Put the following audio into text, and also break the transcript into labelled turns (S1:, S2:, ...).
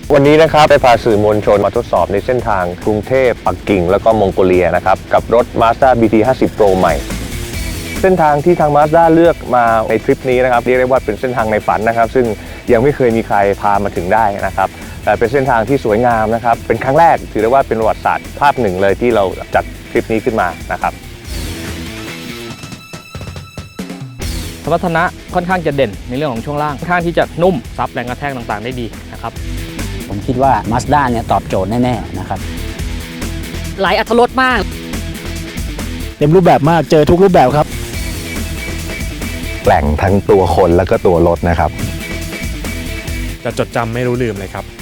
S1: วันนี้นะครับได้พาสื่อมวลชนมาทดสอบในเส้นทางกรุงเทพปักกิ่งแล้วก็มองโกเลียนะครับกับรถ Mazda BT50 Pro ใหม่เส้นทางที่ทาง Mazda เลือกมาในทริปนี้นะครับเรียกได้ว่าเป็นเส้นทางในฝันนะครับซึ่งยังไม่เคยมีใครพามาถึงได้นะครับแต่เป็นเส้นทางที่สวยงามนะครับเป็นครั้งแรกถือได้ว่าเป็นประวัติศาสตร์ภาพหนึ่งเลยที่เราจัดทริปนี้ขึ้นมานะครับ
S2: สมรรถนะค่อนข้างจะเด่นในเรื่องของช่วงล่างค่อนข้างที่จะนุ่มซับแรงกระแทกต่างๆได้ดีนะครับ
S3: ผมคิดว่า Mazda เนี่ยตอบโจทย์แน่ๆนะครับ
S4: หลายอรรถรสมาก
S5: เต็มรูปแบบมากเจอทุกรูปแบบครับ
S1: แกร่งทั้งตัวคนแล้วก็ตัวรถนะครับ
S6: จะจดจำไม่รู้ลืมเลยครับ